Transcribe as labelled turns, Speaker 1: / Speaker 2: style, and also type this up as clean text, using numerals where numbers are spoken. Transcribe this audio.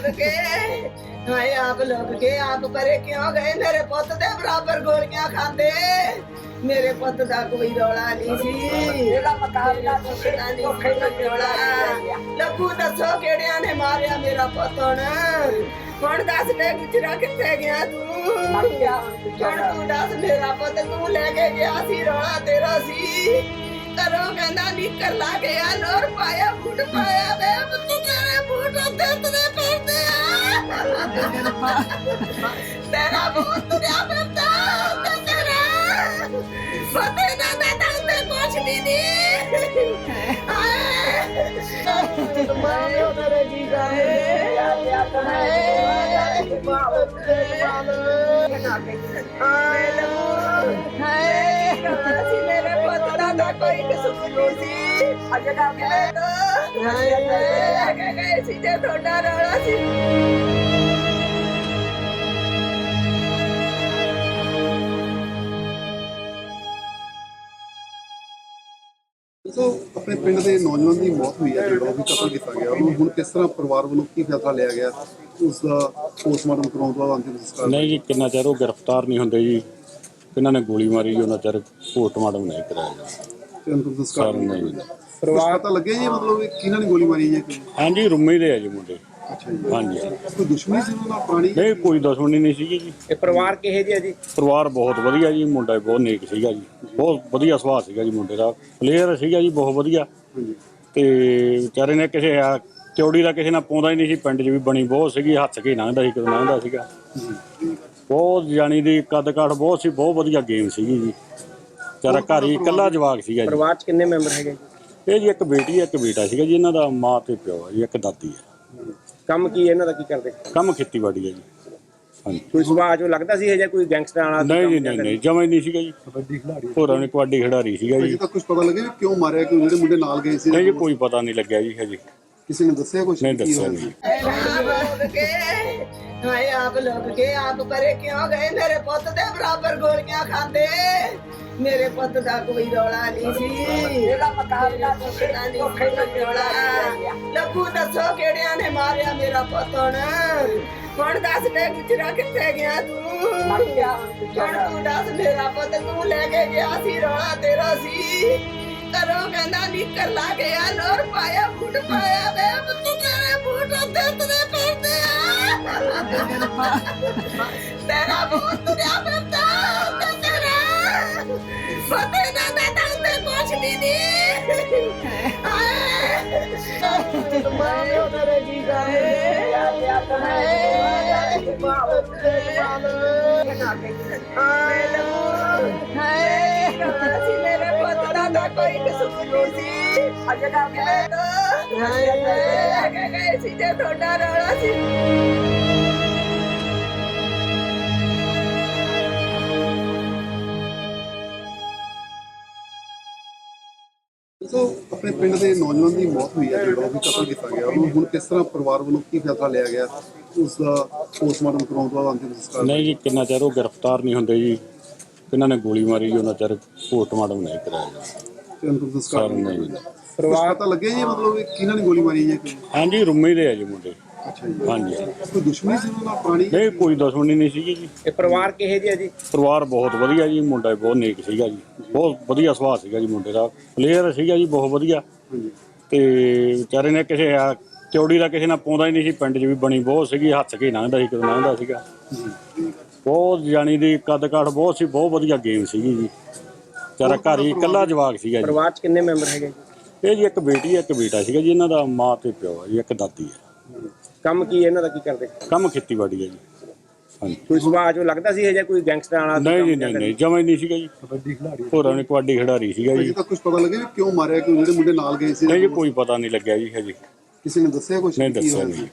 Speaker 1: के हाय आप लोग के आप परे क्यों गए मेरे पुत दे बराबर गोलियां खांदे मेरे पुत दा कोई रौला नहीं सी मेरा मुकाबला नहीं रौला लखू दसो केड़ियां ने मारिया मेरा पुत हुण दस ले गुजरा किथे गया तू हुण तू दस मेरा पुत तू लेके गया सी रौला तेरा सी करो कहना निकर ला गया लोर पाया बूट पाया वे तू तेरे बूट ते तेरे पैसे तेरा बूट तुरिया फिरता तेरा पते ना दादा ते कुछ भी नहीं मारो मेरे जीजा मेरे पुत्र दा कोई कसूर नहीं सी अजगा गए सी जे थोड़ा रौला सी
Speaker 2: ਸੋ ਆਪਣੇ ਪਿੰਡ ਦੇ ਨੌਜਵਾਨ ਦੀ ਮੌਤ ਹੋਈ ਹੈ ਜਿਹੜਾ ਉਹ ਵੀ ਕਤਲ ਕੀਤਾ ਗਿਆ ਉਹਨੂੰ ਹੁਣ ਕਿਸ ਤਰ੍ਹਾਂ ਪਰਿਵਾਰ ਵੱਲੋਂ ਕੀ ਫੈਸਲਾ ਲਿਆ ਗਿਆ ਉਸ ਦਾ ਪੋਸਟਮਾਰਟਮ ਕਰਾਉਣ ਤੋਂ ਬਾਅਦ ਅੰਤਿਮ ਸੰਸਕਾਰ
Speaker 3: ਨਹੀਂ ਜੀ ਕਿੰਨਾ ਚਿਰ ਉਹ ਗ੍ਰਿਫਤਾਰ ਨਹੀਂ ਹੁੰਦੇ ਜੀ ਇਹਨਾਂ ਨੇ ਗੋਲੀ ਮਾਰੀ ਜੀ ਉਹਨਾਂ ਚਿਰ ਪੋਸਟਮਾਰਟਮ ਨਹੀਂ ਕਰਾਇਆ
Speaker 2: ਤੇ ਅੰਤਿਮ ਸੰਸਕਾਰ
Speaker 3: ਨਹੀਂ
Speaker 2: ਪਰਿਵਾਰ ਤਾਂ ਲੱਗਿਆ ਜੀ ਮਤਲਬ ਇਹ ਕਿਹਨਾਂ ਨੇ ਗੋਲੀ ਮਾਰੀ ਹੈ
Speaker 3: ਹਾਂਜੀ ਰੁੰਮੇ ਦੇ ਆ ਜੀ ਮੁੰਡੇ
Speaker 2: ਅੱਛਾ ਜੀ
Speaker 3: ਹਾਂਜੀ
Speaker 2: ਕੋਈ ਦੁਸ਼ਮਣੀ ਸੀ ਉਹਨਾਂ ਨਾਲ ਪੁਰਾਣੀ
Speaker 3: ਨਹੀਂ ਕੋਈ ਦੁਸ਼ਮਣੀ ਨਹੀਂ ਸੀਗੀ ਜੀ
Speaker 4: ਇਹ ਪਰਿਵਾਰ ਕਿਹੇ ਜਿਹਾ ਜੀ?
Speaker 3: ਪਰਿਵਾਰ ਬਹੁਤ ਵਧੀਆ ਜੀ ਮੁੰਡਾ ਬਹੁਤ ਨੇਕ ਸੀਗਾ ਜੀ ਬਹੁਤ ਵਧੀਆ ਸੁਭਾਅ ਸੀਗਾ ਜੀ ਮੁੰਡੇ ਦਾ ਪਲੇਅਰ ਸੀਗਾ ਜੀ ਬਹੁਤ ਵਧੀਆ ਤੇ ਵਿਚਾਰੇ ਨੇ ਕਿਸੇ ਚੌੜੀ ਦਾ ਕਿਸੇ ਨਾਲ ਪਾਉਂਦਾ ਹੀ ਨਹੀਂ ਸੀ ਪਿੰਡ 'ਚ ਵੀ ਬਣੀ ਬਹੁਤ ਸੀਗੀ ਹੱਥ ਕੇ ਲੰਘਦਾ ਸੀ ਕਦੋਂ ਲੰਘਦਾ ਸੀਗਾ ਬਹੁਤ ਜਾਣੀ ਦੀ ਕੱਦ ਕਾਠ ਬਹੁਤ ਸੀ ਬਹੁਤ ਵਧੀਆ ਗੇਮ ਸੀਗੀ ਜੀ ਵਿਚਾਰਾ ਘਰ ਹੀ ਇਕੱਲਾ ਜਵਾਕ ਸੀਗਾ ਜੀ
Speaker 4: ਪਰਿਵਾਰ 'ਚ ਕਿੰਨੇ ਮੈਂਬਰ ਹੈਗੇ ਜੀ?
Speaker 3: ਇਹ ਜੀ ਇੱਕ ਬੇਟੀ ਹੈ ਇੱਕ ਬੇਟਾ ਸੀਗਾ ਜੀ ਇਹਨਾਂ ਦਾ ਮਾਂ ਤੇ ਪਿਓ ਹੈ ਜੀ ਇੱਕ ਦਾਦੀ ਹੈ
Speaker 4: ਕੰਮ ਕੀ ਇਹਨਾਂ ਦਾ ਕੀ ਕਰਦੇ?
Speaker 3: ਕੰਮ ਖੇਤੀਬਾੜੀ ਹੈ ਜੀ ਹਾਂਜੀ
Speaker 4: ਕੋਈ ਸੁਭਾਅ ਚੋਂ ਲੱਗਦਾ ਸੀ ਇਹ ਜਾਂ ਕੋਈ ਗੈਂਗਸਟਰ ਵਾਲਾ
Speaker 3: ਨਹੀਂ ਜੀ ਨਹੀਂ ਜਮਾਂ ਹੀ ਨਹੀਂ ਸੀਗਾ ਜੀ ਕਬੱਡੀ ਖਿਡਾਰੀ ਹੋਰਾਂ ਨੇ ਕਬੱਡੀ ਖਿਡਾਰੀ ਸੀਗਾ ਜੀ
Speaker 2: ਅਜੇ ਤੱਕ ਕੁਝ ਪਤਾ ਲੱਗਿਆ ਵੀ ਕਿਉਂ ਮਾਰਿਆ ਕਿਉਂ ਜਿਹੜੇ ਮੁੰਡੇ ਨਾਲ ਗਏ ਸੀ
Speaker 3: ਨਹੀਂ ਜੀ ਕੋਈ ਪਤਾ ਨਹੀਂ ਲੱਗਿਆ ਜੀ ਹਜੇ
Speaker 2: ਕਿਸੇ ਨੇ ਦੱਸਿਆ ਕੁਝ
Speaker 3: ਨਹੀਂ ਦੱਸਿਆ ਨਹੀਂ
Speaker 1: हाय आप लोग के आप परे क्यों गए मेरे पुत दे बराबर गोलियां खांदे मेरे पुत दा कोई रौला नहीं सी मेरा मुकाबला नहीं रौला लखू दसो केड़ियां ने मारिया मेरा पुत हुण दस ले गुजरा किथे गया तू हुण तू दस मेरा पुत तू लेके गया सी रौला तेरा सी करो कहना निकर ला गया लोर पाया बूट पाया वे तू तेरे बूट ते तेरे पैसे तेरा बूट तुरिया फिरता तेरा पते ना दादा ते कुछ भी नहीं मारो मेरे जीजा मेरे पुत्र दा कोई कसूर नहीं सी अजगा गए सी जे थोड़ा रौला सी
Speaker 2: ਸੋ ਆਪਣੇ ਪਿੰਡ ਦੇ ਨੌਜਵਾਨ ਦੀ ਮੌਤ ਹੋਈ ਹੈ ਜਿਹੜਾ ਉਹ ਵੀ ਕਤਲ ਕੀਤਾ ਗਿਆ ਉਹਨੂੰ ਹੁਣ ਕਿਸ ਤਰ੍ਹਾਂ ਪਰਿਵਾਰ ਵੱਲੋਂ ਕੀ ਫੈਸਲਾ ਲਿਆ ਗਿਆ ਉਸ ਦਾ ਪੋਸਟਮਾਰਟਮ ਕਰਾਉਣ ਤੋਂ ਬਾਅਦ ਅੰਤਿਮ ਸੰਸਕਾਰ
Speaker 3: ਨਹੀਂ ਜੀ ਕਿੰਨਾ ਚਿਰ ਉਹ ਗ੍ਰਿਫਤਾਰ ਨਹੀਂ ਹੁੰਦੇ ਜੀ ਇਹਨਾਂ ਨੇ ਗੋਲੀ ਮਾਰੀ ਜੀ ਉਹਨਾਂ ਚਿਰ ਪੋਸਟਮਾਰਟਮ ਨਹੀਂ ਕਰਾਇਆ
Speaker 2: ਤੇ ਅੰਤਿਮ ਸੰਸਕਾਰ
Speaker 3: ਨਹੀਂ
Speaker 2: ਪਰਿਵਾਰ ਤਾਂ ਲੱਗਿਆ ਜੀ ਮਤਲਬ ਇਹ ਕਿਹਨਾਂ ਨੇ ਗੋਲੀ ਮਾਰੀ ਹੈ
Speaker 3: ਹਾਂਜੀ ਰੁੰਮੇ ਦੇ ਆ ਜੀ ਮੁੰਡੇ
Speaker 2: ਅੱਛਾ ਜੀ
Speaker 3: ਹਾਂਜੀ
Speaker 2: ਕੋਈ ਦੁਸ਼ਮਣੀ ਸੀ ਉਹਨਾਂ ਨਾਲ ਪੁਰਾਣੀ
Speaker 3: ਨਹੀਂ ਕੋਈ ਦੁਸ਼ਮਣੀ ਨਹੀਂ ਸੀਗੀ ਜੀ
Speaker 4: ਇਹ ਪਰਿਵਾਰ ਕਿਹੇ ਜਿਹਾ ਜੀ?
Speaker 3: ਪਰਿਵਾਰ ਬਹੁਤ ਵਧੀਆ ਜੀ ਮੁੰਡਾ ਬਹੁਤ ਨੇਕ ਸੀਗਾ ਜੀ ਬਹੁਤ ਵਧੀਆ ਸੁਭਾਅ ਸੀਗਾ ਜੀ ਮੁੰਡੇ ਦਾ ਪਲੇਅਰ ਸੀਗਾ ਜੀ ਬਹੁਤ ਵਧੀਆ ਤੇ ਵਿਚਾਰੇ ਨੇ ਕਿਸੇ ਚੌੜੀ ਦਾ ਕਿਸੇ ਨਾਲ ਪਾਉਂਦਾ ਹੀ ਨਹੀਂ ਸੀ ਪਿੰਡ 'ਚ ਵੀ ਬਣੀ ਬਹੁਤ ਸੀਗੀ ਹੱਥ ਕੇ ਲੰਘਦਾ ਸੀ ਕਦੋਂ ਲੰਘਦਾ ਸੀਗਾ ਬਹੁਤ ਜਾਣੀ ਦੀ ਕੱਦ ਕਾਠ ਬਹੁਤ ਸੀ ਬਹੁਤ ਵਧੀਆ ਗੇਮ ਸੀਗੀ ਜੀ ਵਿਚਾਰਾ ਘਰ ਹੀ ਇਕੱਲਾ ਜਵਾਕ ਸੀਗਾ ਜੀ
Speaker 4: ਪਰਿਵਾਰ 'ਚ ਕਿੰਨੇ ਮੈਂਬਰ ਹੈਗੇ ਜੀ?
Speaker 3: ਇਹ ਜੀ ਇੱਕ ਬੇਟੀ ਹੈ ਇੱਕ ਬੇਟਾ ਸੀਗਾ ਜੀ ਇਹਨਾਂ ਦਾ ਮਾਂ ਤੇ ਪਿਓ ਹੈ ਜੀ ਇੱਕ ਦਾਦੀ ਹੈ
Speaker 4: ਕੰਮ ਕੀ ਇਹਨਾਂ ਦਾ ਕੀ ਕਰਦੇ?
Speaker 3: ਕੰਮ ਖੇਤੀਬਾੜੀ ਹੈ ਜੀ ਹਾਂਜੀ
Speaker 4: ਕੋਈ ਸੁਭਾਅ ਚੋਂ ਲੱਗਦਾ ਸੀ ਇਹ ਜਾਂ ਕੋਈ ਗੈਂਗਸਟਰ ਵਾਲਾ
Speaker 3: ਨਹੀਂ ਜੀ ਨਹੀਂ ਜਮਾਂ ਹੀ ਨਹੀਂ ਸੀਗਾ ਜੀ ਕਬੱਡੀ ਖਿਡਾਰੀ ਹੋਰਾਂ ਨੇ ਕਬੱਡੀ ਖਿਡਾਰੀ ਸੀਗਾ
Speaker 2: ਅਜੇ
Speaker 3: ਜੀ
Speaker 2: ਤੱਕ ਕੁਝ ਪਤਾ ਲੱਗਿਆ ਵੀ ਕਿਉਂ ਮਾਰਿਆ ਕਿਉਂ ਜਿਹੜੇ ਮੁੰਡੇ ਨਾਲ ਗਏ ਸੀ
Speaker 3: ਨਹੀਂ ਜੀ ਕੋਈ ਪਤਾ ਨਹੀਂ ਲੱਗਿਆ ਜੀ ਹਜੇ
Speaker 2: ਕਿਸੇ ਨੇ ਦੱਸਿਆ ਕੁਝ
Speaker 3: ਨਹੀਂ ਦੱਸਿਆ ਨਹੀਂ